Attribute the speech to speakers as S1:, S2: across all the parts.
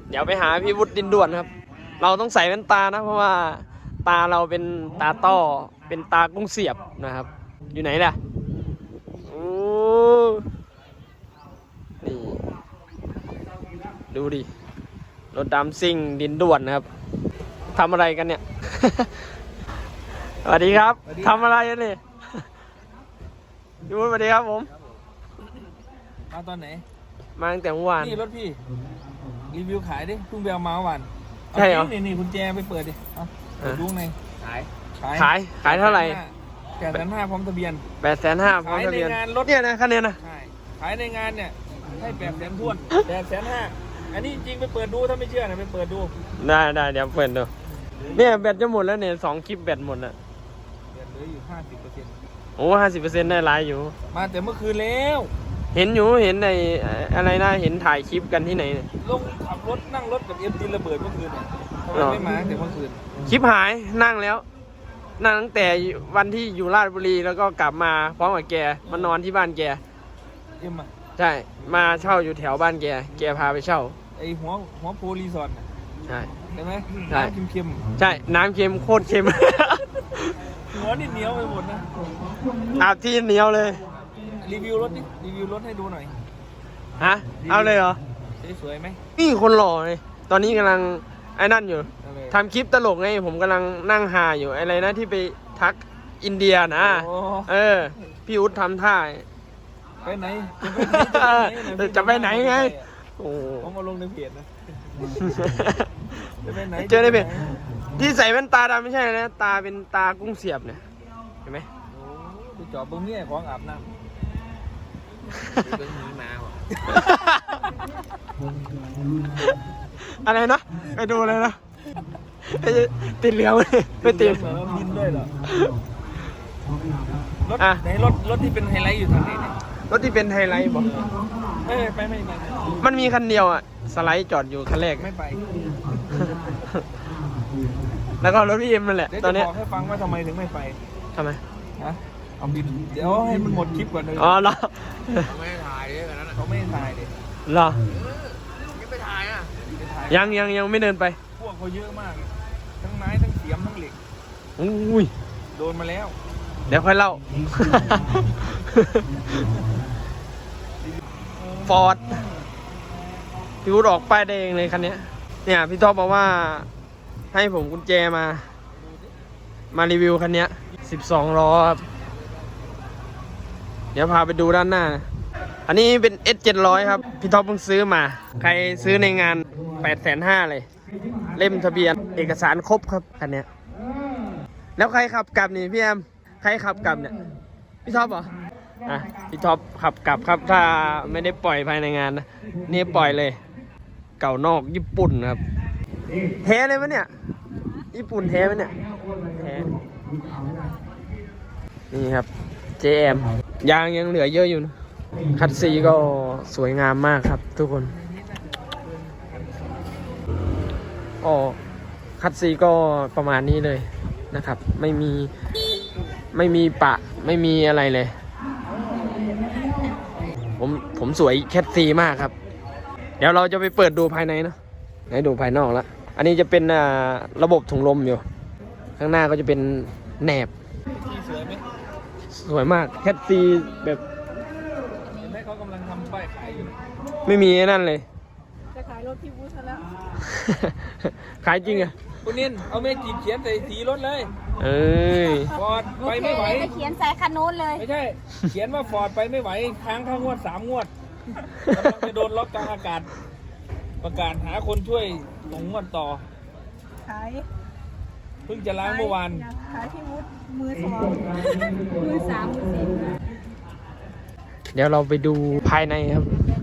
S1: เดี๋ยวไปหาพี่วุฒิดินด่วนครับเราต้องใส่แว่นตานะเพราะว่าตาเราเป็นตาต้อเป็นตากุ้งเสียบนะครับอยู่ไหนล่ะโอ้นี่ดูดิรถดำซิ่งดินด่วนนะครับทำอะไรกันเนี่ย สวัสดีครับทำอะไรกันนี่ พี่วุฒิสวัสดีครับผม
S2: มาตอนไหน
S1: มาตั้งแต่เมื่อวาน
S2: นี่รถพี่รีวิวขายดิเพิ่งไปเอามาวัน
S1: ใช่เหรอ
S2: นี่กุญแจไปเปิดดิเปิดดูใน
S1: ขายเท่าไหร่
S2: 850,000พร้อมทะเบียน
S1: 850,000พร้อมทะเบียนรถเนี่ยนะคันนี้นะ
S2: ใช่ขายในงานเนี่ยให้800,000ท้วน850,000อันนี้จริงไปเปิดดูถ้าไม่เชื่อนะไปเปิดดู
S1: ได้เดี๋ยวเปิดดูเนี่ยแบตจะหมดแล้วเนี่ย2 คลิปแบตหมดแล้ว
S2: เหลืออยู่ 50%
S1: โอ้ 50% ได้หลายอยู่
S2: มาแต่เมื่อคืนแล้ว
S1: เห็นอยู่เห็นในอะไรนะเห็นถ่ายคลิปกันที่ไหนเนี่ย
S2: ลงขับรถนั่งรถกับเอ็มดีระเบิดเมื่อคืนเนี่ยทำไมไม่มาแต่เมื่อคืน
S1: คลิปหายนั่งแล้วนั่งตั้งแต่วันที่อยู่ราชบุรีแล้วก็กลับมาพร้อมกับแกมานอนที่บ้านแกใช่มาเช่าอยู่แถวบ้านแกพาไปเช่า
S2: ไอหัวโพรีสอร์ท
S1: ใช่
S2: ไหมใช่เค็ม
S1: ใช่น้ำเค็มโคตรเค็ม
S2: หัวนี่เหนียวไปหมดนะ
S1: อาบที่เหนียวเลย
S2: รีวิวรถให้ดูหน่อย
S1: ฮะเอาเลยเหรอ
S2: สวยไหม
S1: นี่คนหล่อเลยตอนนี้กำลังไอ้นั่นอยู่ทำคลิปตลกไงผมกำลังนั่งหาอยู่อะไรนะที่ไปทักอินเดียนะพี่อุ๊ดทำท่า
S2: ไปไหน
S1: จะไปไหนไงโอ้
S2: ผมมาลงในเพจนะ
S1: เจอในเพจที่ใส่แว่นตาดำไม่ใช่นะตาเป็นตากุ้งเสียบเนี่ยเห็นไหม
S2: ไปจอดตรงนี้ของอาบน้ำเป็นหนีมา
S1: อะไรนะไปดูเลยนะติดเหลืองไม่ติด
S2: บินด้วยเหรอรถไหนรถที่เป็นไฮไลท์อยู่ทางไหนเนี่ย
S1: รถที่เป็นไฮไลท์บอก
S2: ไม่
S1: มันมีคันเดียวอ่ะสไลด์จอดอยู่คันแรก
S2: ไม่ไป
S1: แล้วก็รถพี่เอ็มนั่นแหละตอนนี้
S2: บอกให้ฟังว่าทำไมถึงไม่ไป
S1: ทำไม
S2: เอาบินเดี๋ยวให้มันหมดคลิปก่อนเลย
S1: อ๋อเหรอ
S2: เขาไม่ถ่ายเลยนะเขาไม่ถ่ายเลย
S1: เหรอ
S2: ยังไม่ถ่ายอ่ะ
S1: ยังไม่เดินไป
S2: พวกเขาเยอะมากทั้งไม้ทั้งเสียมทั้งเหล็ก
S1: อุ้ย
S2: โดนมาแล้ว
S1: เดี๋ยวค่อยเล่าฟอร์ดพี่วุฒิออกป้ายแดงเลยคันนี้เนี่ยพี่ท็อปบอกว่าให้ผมกุญแจมารีวิวคันนี้12 ล้อครับเดี๋ยวพาไปดูด้านหน้าอันนี้เป็น S700 ครับพี่ท็อปเพิ่งซื้อมาใครซื้อในงาน850,000เลยเล่มทะเบียนเอกสารครบครับคันนี้แล้วใครขับกลับนี่พี่แอมใครขับกลับเนี่ยพี่ท็อปเหรอพี่ท็อปขับกลับครับถ้าไม่ได้ปล่อยภายในงานนะนี่ปล่อยเลยเก่านอกญี่ปุ่นครับแท้เลยมั้ยเนี่ยญี่ปุ่นแท้มั้ยเนี่ยแท้นี่ครับ JM ยางยังเหลือเยอะอยู่นะคัดซีก็สวยงามมากครับทุกคนคัดซีก็ประมาณนี้เลยนะครับไม่มีปะไม่มีอะไรเลยผมสวยแคทซีมากครับเดี๋ยวเราจะไปเปิดดูภายในเนาะไหนดูภายนอกแล้วอันนี้จะเป็นระบบถุงลมอยู่ข้างหน้าก็จะเป็นแหนบ
S2: สวยไหม
S1: สวยมากแคทซีแบบ
S2: เห็นไหมเขากำลังทำป้ายขายอยู่
S1: ไม่มีนั่นเลย
S3: จะขายรถพี่วุฒิแล้ว
S1: ขายจริงอะ
S2: คุณนินเอาเมจิเขียนใส่สีรถเลยฟอร์ดไปไม่ไหว
S3: เขียนใส่คันโน้นเลย
S2: ไม่ใช่เขียนว่าฟอร์ดไปไม่ไหวค้างงวด3 งวดกำลังจะโดนล็อกกลางอากาศประกาศหาคนช่วยส่งงวดต่อ
S3: ขาย
S2: เพิ่งจะล้างเมื่อวาน
S3: ขายพี่วุฒิมือ2มือ3มือ4
S1: เดี๋ยวเราไปดูภายในครับ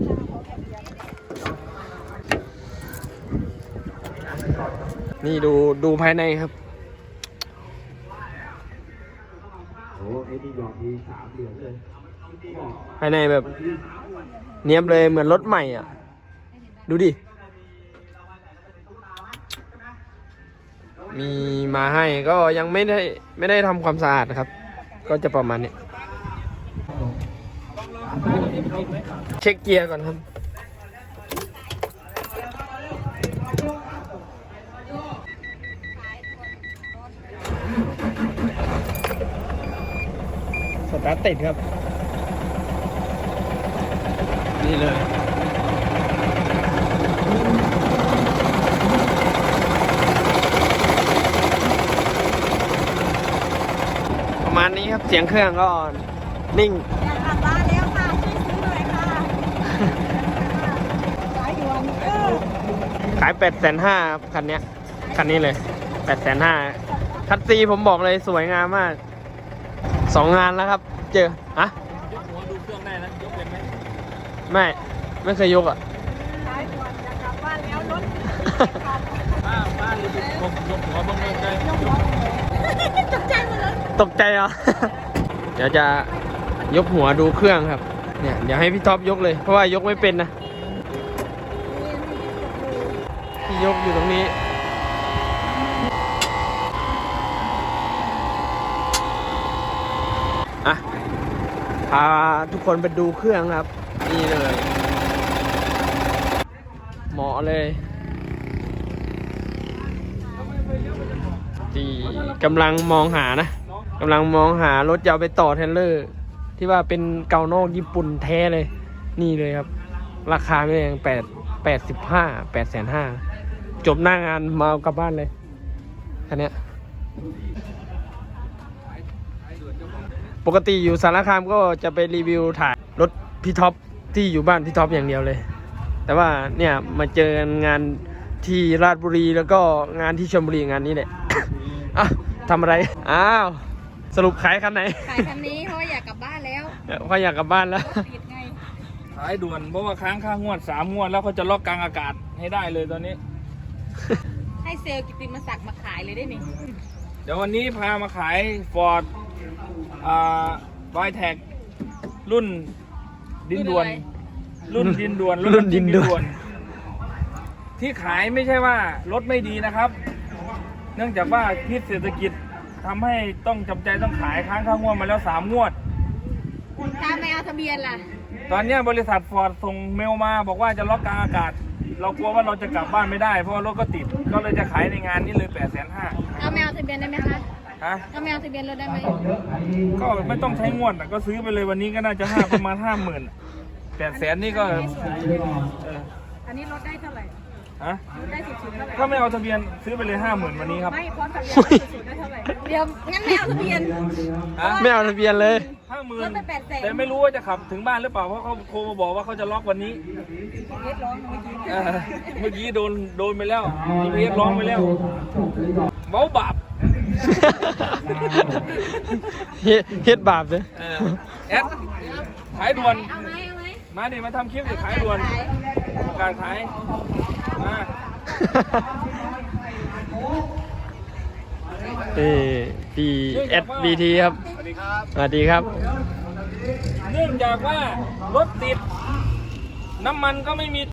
S1: นี่ดูภายในครับภายในแบบเนียบเลยเหมือนรถใหม่อ่ะดูดิมีมาให้ก็ยังไม่ได้ทำความสะอาดนะครับก็จะประมาณนี้เช็คเกียร์ก่อนครับตาร์ทติดครับ นี่เลย ประมาณนี้ครับ เสียงเครื่องก็นิ่ง
S3: อยากกลับบ้านแล้วค่ะช่วยซื้อหน่อยค่ะสายด่วน
S1: ขาย850,000ครับคันเนี้ย คันนี้เลย850,000คัดซีผมบอกเลยสวยงามมาก 2 งานแล้วครับ เจออะ
S2: ยกหัวดูเครื่องได้นะยกเป็นไหม
S1: ไม่เคยยกอ่ะ
S3: สายด่วนอยากกลับบ้านแล้วรถ
S2: ป้าหรือยกหัวบ้างเลย
S3: ยกหัวตกใจหมดเลย
S1: ตกใจเหรอ เดี๋ยวจะยกหัวดูเครื่องครับ เนี่ยเดี๋ยวให้พี่ท็อปยกเลย เพราะว่ายกไม่เป็นนะพี่ยกอยู่ตรงนี้ อ่ะ พาทุกคนไปดูเครื่องครับ นี่เลย เหมาะเลยที่กำลังมองหานะกำลังมองหารถจะเอาไปต่อเทรลเลอร์ ที่ว่าเป็นเกานอกญี่ปุ่นแท้เลย นี่เลยครับ ราคาไม่แพง850,000 จบหน้างานมาเอากลับบ้านเลยคันเนี้ย ปกติอยู่สารคามก็จะไปรีวิวถ่ายรถพี่ท็อปที่อยู่บ้านพี่ท็อปอย่างเดียวเลย แต่ว่าเนี่ยมาเจองานที่ราชบุรีแล้วก็งานที่ชลบุรีงานนี้แหละ อ่ะทำอะไร อ้าว สรุปขายคันไหน
S3: ขายคันนี้เพราะว่าอยากกลับบ้านแล้ว
S1: เพราะอยากกลับบ้านแล้ว
S3: ติดไง
S2: ขายด่วนเพราะว่าค้างค่างวด3 งวดแล้วเขาจะล็อกกลางอากาศให้ได้เลยตอนนี้
S3: ให้เซลล์กิตติมศักดิ์มาขายเลยได้ไหม
S2: เดี๋ยววันนี้พามาขาย Ford y t e c รุ่นดินด่วน รุ่นดินด่วน
S1: รุ่นดินด่วน
S2: ที่ขายไม่ใช่ว่ารถไม่ดีนะครับ เนื่องจากว่าพิษเศรษฐกิจทำให้ต้องจำใจต้องขายค้างค่างวดมาแล้ว3 งวด
S3: ถ้าไม่เอาทะเบียนล่ะ
S2: ตอนนี้บริษัท Ford ส่งเมลมาบอกว่าจะล็อกกลางอากาศ เรากลัวว่าเราจะกลับบ้านไม่ได้เพราะว่ารถก็ติด ก็เลยจะขายในงานนี้เลย850,000
S3: เอาไม่เอาทะเบียนได้ไหมคะ
S2: ฮะ
S3: เอาไม่เอาทะเบียนรถได้ไหม
S2: ก็ไม่ต้องใช้งวดอะก็ซื้อไปเลยวันนี้ก็น่าจะประมาณ 50,000 800,000นี่ก็
S3: อันนี้รถได้เท่าไหร่
S2: ฮะ
S3: รถได้สุดๆเท่าไหร่
S2: ถ้าไม่เอาทะเบียนซื้อไปเลย 50,000 วันนี้ครับ
S3: ไม่พร้อมทะเบียนสุดๆได้เท่าไหร่ เดี๋ยวงั้นไม่เอาทะเบียน
S2: ฮะ
S1: ไม่เอาทะเบียนเลย
S3: รถไป800,000
S2: 50,000แต่ไม่รู้ว่าจะขับถึงบ้านหรือเปล่าเพราะเขาโทรมาบอกว่าเขาจะล็อกวันนี้
S3: เรียกร้องเมื่อกี้
S2: เมื่อกี้โดนไปแล้วเรียกร้องไปแล้วเว้าบาป
S1: เฮ็ดบาปเลย
S2: แอดขายด่วน
S3: เอาไหมเอาไหม
S2: มาดิมาทำคลิปดิขายด่วนประกาศขายมา
S1: พี่ SBT ครับ
S2: สวัสดีครับ
S1: สวัสดีครับ
S2: เนื่องจากว่ารถติด น้ำมันก็ไม่มี